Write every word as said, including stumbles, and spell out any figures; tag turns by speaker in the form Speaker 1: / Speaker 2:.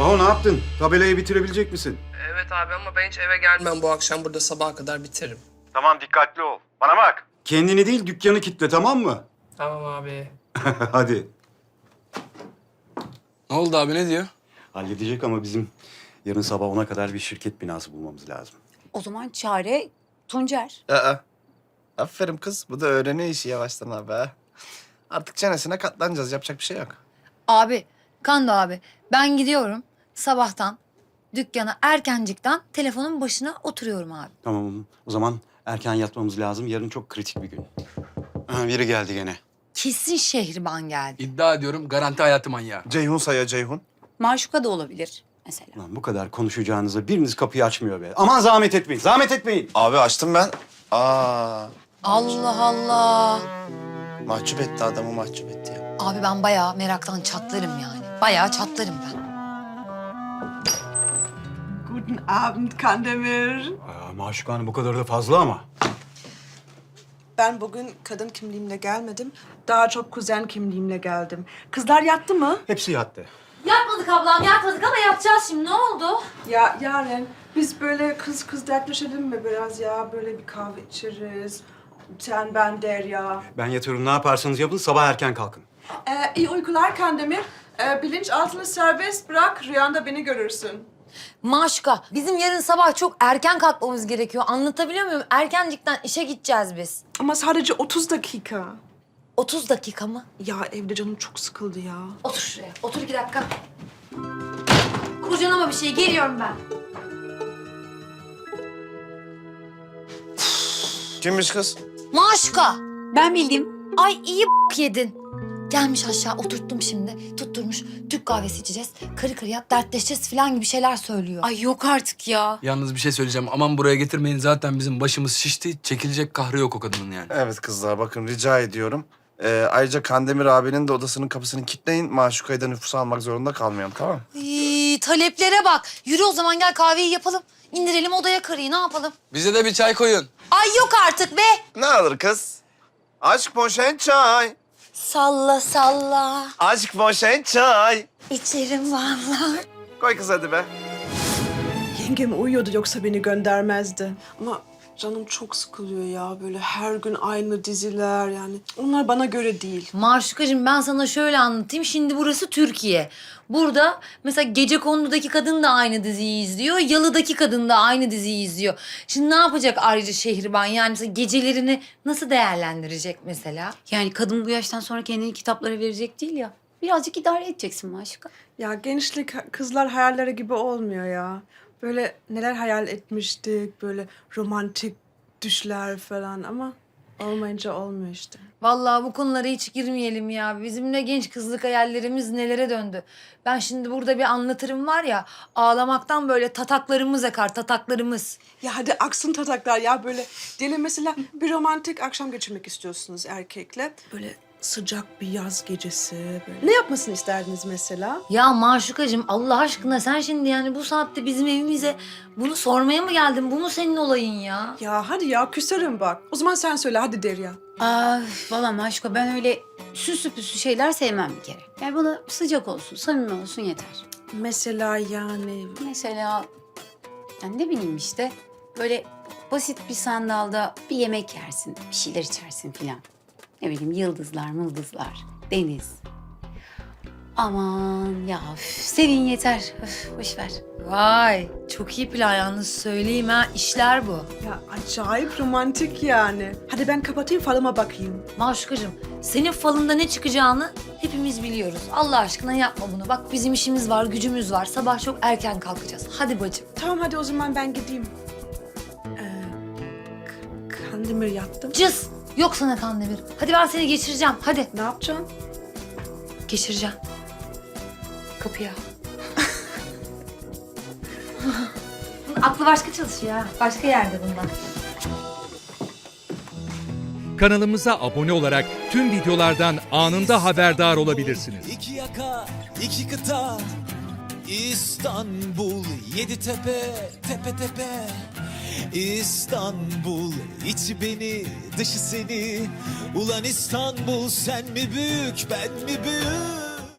Speaker 1: Maho ne yaptın? Tabelayı bitirebilecek misin?
Speaker 2: Evet abi ama ben hiç eve gelmem bu akşam. Burada sabaha kadar bitiririm.
Speaker 1: Tamam dikkatli ol. Bana bak. Kendini değil dükkanı kitle tamam mı?
Speaker 2: Tamam abi.
Speaker 1: Hadi.
Speaker 3: Ne oldu abi, ne diyor?
Speaker 1: Halledecek ama bizim yarın sabah ona kadar bir şirket binası bulmamız lazım.
Speaker 4: O zaman çare Tuncer.
Speaker 5: Aa, aferin kız. Bu da öğreniyor işi yavaştan abi ha. Artık çenesine katlanacağız. Yapacak bir şey yok.
Speaker 4: Abi, Kando abi ben gidiyorum sabahtan dükkana erkencikten telefonun başına oturuyorum abi.
Speaker 1: Tamam o zaman erken yatmamız lazım. Yarın çok kritik bir gün. Ha, biri geldi gene.
Speaker 4: Kesin Şehriban geldi.
Speaker 3: İddia ediyorum garanti hayatı manyağı.
Speaker 5: Ceyhun saya Ceyhun.
Speaker 4: Maşuka da olabilir mesela.
Speaker 1: Lan bu kadar konuşacağınıza biriniz kapıyı açmıyor be. Aman zahmet etmeyin, zahmet etmeyin.
Speaker 5: Abi açtım ben. Aa,
Speaker 4: Allah Allah.
Speaker 5: mahcup etti adamı, mahcup etti ya.
Speaker 4: Abi ben bayağı meraktan çatlarım yani. Bayağı çatlarım ben.
Speaker 6: Guten Abend, Kandemir.
Speaker 1: Aa, Maşuka Hanım bu kadar da fazla ama.
Speaker 6: Ben bugün kadın kimliğimle gelmedim. Daha çok kuzen kimliğimle geldim. Kızlar yattı mı?
Speaker 1: Hepsi yattı.
Speaker 4: Yatmadık ablam yatmadık ama yatacağız şimdi ne oldu?
Speaker 6: Ya Yaren, biz böyle kız kız dertleşelim mi biraz ya? Böyle bir kahve içeriz. Sen, ben, Derya.
Speaker 1: Ben yatıyorum ne yaparsanız yapın sabah erken kalkın.
Speaker 6: Ee, iyi uykular Kandemir. Ee, bilinçaltını serbest bırak, rüyanda beni görürsün.
Speaker 4: Maşuka bizim yarın sabah çok erken kalkmamız gerekiyor. Anlatabiliyor muyum? Erkencikten işe gideceğiz biz.
Speaker 6: Ama sadece otuz dakika.
Speaker 4: otuz dakika mı?
Speaker 6: Ya evde canım çok sıkıldı ya.
Speaker 4: Otur şuraya. Otur iki dakika. Kurcalama bir şey. Geliyorum ben.
Speaker 5: Kimmiş kız?
Speaker 4: Maşuka. Ben bildim. Ay iyi b- yedin. Gelmiş aşağı oturttum şimdi. Tutturmuş. Türk kahvesi içeceğiz. Karı karıya dertleşeceğiz falan gibi şeyler söylüyor. Ay yok artık ya.
Speaker 3: Yalnız bir şey söyleyeceğim. Aman buraya getirmeyin. Zaten bizim başımız şişti. Çekilecek kahrı yok o kadının yani.
Speaker 5: Evet kızlar, bakın rica ediyorum. Ee, ayrıca Kandemir abinin de odasının kapısını kilitleyin. Maşuka'yı da nüfusa almak zorunda kalmayalım, tamam mı?
Speaker 4: Ay, taleplere bak. Yürü o zaman gel kahveyi yapalım. İndirelim odaya karıyı ne yapalım?
Speaker 3: Bize de bir çay koyun.
Speaker 4: Ay yok artık be.
Speaker 5: Ne alır kız? Aşk poşet çay.
Speaker 4: Salla salla.
Speaker 5: Aşk poşet çay.
Speaker 4: İçerim vallahi.
Speaker 5: Koy kız hadi be.
Speaker 6: Yengem uyuyordu yoksa beni göndermezdi. Ama canım çok sıkılıyor ya. Böyle her gün aynı diziler yani. Onlar bana göre değil.
Speaker 4: Maşukacığım ben sana şöyle anlatayım. Şimdi burası Türkiye. Burada mesela Gecekondu'daki kadın da aynı diziyi izliyor. Yalı'daki kadın da aynı diziyi izliyor. Şimdi ne yapacak ayrıca Şehriban? Yani mesela gecelerini nasıl değerlendirecek mesela?
Speaker 7: Yani kadın bu yaştan sonra kendini kitaplara verecek değil ya. Birazcık idare edeceksin Maşuka.
Speaker 6: Ya gençlik kızlar hayalleri gibi olmuyor ya. Böyle neler hayal etmiştik. Böyle romantik düşler falan ama olmayınca olmuyor işte.
Speaker 4: Vallahi bu konulara hiç girmeyelim ya. Bizim de genç kızlık hayallerimiz nelere döndü. Ben şimdi burada bir anlatırım var ya, ağlamaktan böyle tataklarımız akar, tataklarımız.
Speaker 6: Ya hadi aksın tataklar ya böyle. Diyelim mesela bir romantik akşam geçirmek istiyorsunuz erkekle. Böyle sıcak bir yaz gecesi böyle. Ne yapmasını isterdiniz mesela?
Speaker 4: Ya Maşukacığım Allah aşkına sen şimdi yani bu saatte bizim evimize bunu sormaya mı geldin? Bu mu senin olayın ya?
Speaker 6: Ya hadi ya küserim bak. O zaman sen söyle hadi Derya.
Speaker 7: Aa, valla Maşuka ben öyle süslü püslü şeyler sevmem bir kere. Yani bana sıcak olsun, samimi olsun yeter.
Speaker 6: Mesela yani
Speaker 7: Mesela yani ne bileyim işte böyle basit bir sandalda bir yemek yersin, bir şeyler içersin filan. Ne bileyim yıldızlar, mıldızlar, deniz. Aman ya üf, serin yeter. Üf, boş ver.
Speaker 4: Vay çok iyi plan yalnız söyleyeyim ha işler bu.
Speaker 6: ya acayip romantik yani. Hadi ben kapatayım falıma bakayım.
Speaker 4: Maşukacığım senin falında ne çıkacağını hepimiz biliyoruz. Allah aşkına yapma bunu. Bak bizim işimiz var, gücümüz var. Sabah çok erken kalkacağız. Hadi bacım.
Speaker 6: Tamam hadi o zaman ben gideyim. Ee, K- Kandemir yaptım.
Speaker 4: Cız. Yok sana Kandemir. Hadi ben seni geçireceğim. Hadi.
Speaker 6: Ne yapacaksın?
Speaker 4: Geçireceğim. Kapıya. Bunun aklı başka çalışıyor ha. Başka yerde bunlar.
Speaker 8: Kanalımıza abone olarak tüm videolardan anında haberdar olabilirsiniz.
Speaker 9: İki yaka, iki kıta, İstanbul, yedi tepe, tepe tepe. İstanbul, içi beni, dışı seni. Ulan İstanbul, sen mi büyük, ben mi büyük?